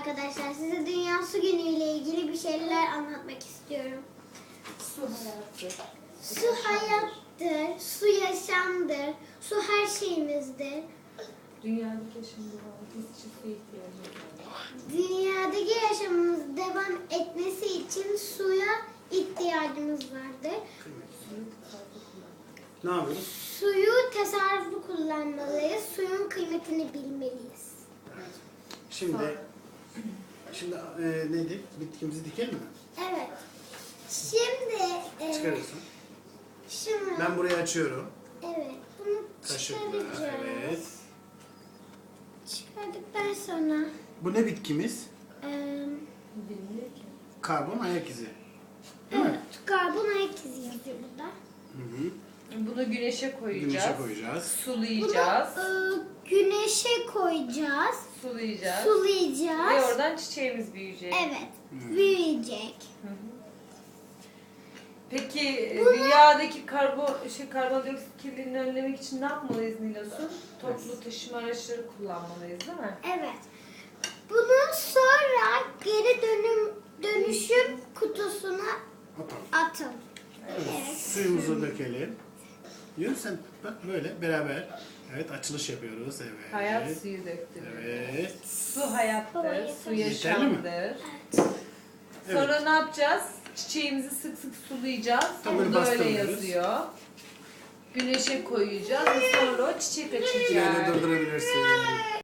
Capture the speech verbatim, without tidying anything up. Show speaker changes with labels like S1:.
S1: arkadaşlar. Size Dünya Su Günü ile ilgili bir şeyler anlatmak istiyorum.
S2: Su hayatı.
S1: Su hayattır, su yaşamdır, su her şeyimizdir.
S2: Dünyadaki yaşamda herkes için su ihtiyacı var.
S1: Dünyadaki yaşamımız devam etmesi için suya ihtiyacımız vardır.
S2: Suyu tasarruflu kullan.
S3: Ne yapıyoruz?
S1: Suyu tasarruflu kullanmalıyız, suyun kıymetini bilmeliyiz.
S3: Şimdi şimdi e, neydi? Bitkimizi dikelim mi?
S1: Evet. Şimdi e,
S3: Çıkarıyorsun.
S1: şunu,
S3: Ben burayı açıyorum.
S1: evet, bunu
S3: Kaşıkla.
S1: çıkaracağız.
S3: Evet.
S1: Çıkardıktan sonra
S3: Bu ne bitkimiz?
S1: e,
S2: Bilmiyor ki.
S3: Karbon ayak izi. Değil mi?
S1: evet, karbon ayak izi yazıyor burada.
S3: Hı hı.
S2: Bunu güneşe koyacağız.
S3: Güneşe koyacağız.
S2: Sulayacağız.
S1: Bunu e, güneşe koyacağız,
S2: Sulayacağız.
S1: sulayacağız.
S2: Ve oradan çiçeğimiz büyüyecek.
S1: Evet, büyüyecek.
S2: Hı hı. Peki e, dünyadaki karbon şey karbondioksit kirliliğini önlemek için ne yapmalıyız Nilosun? Toplu taşıma araçları kullanmalıyız değil mi?
S1: Evet. Bunu sonra geri dönüm dönüşüm kutusuna
S3: Atalım.
S1: atın.
S3: Evet.
S1: Evet.
S3: Suyumuzu dökelim. Yürü sen bak böyle beraber. Evet açılış yapıyoruz. Evet.
S2: Hayat suyu döktü.
S3: Evet.
S2: Su hayattır, su
S3: Yeterli mi?
S2: yaşamdır. Sonra ne yapacağız? Çiçeğimizi sık sık sulayacağız.
S3: Tam böyle
S2: Burada öyle
S3: bastırıyoruz.
S2: yazıyor. Güneşe koyacağız ve sonra o çiçek açacak.
S3: Yine durdurabilirsin.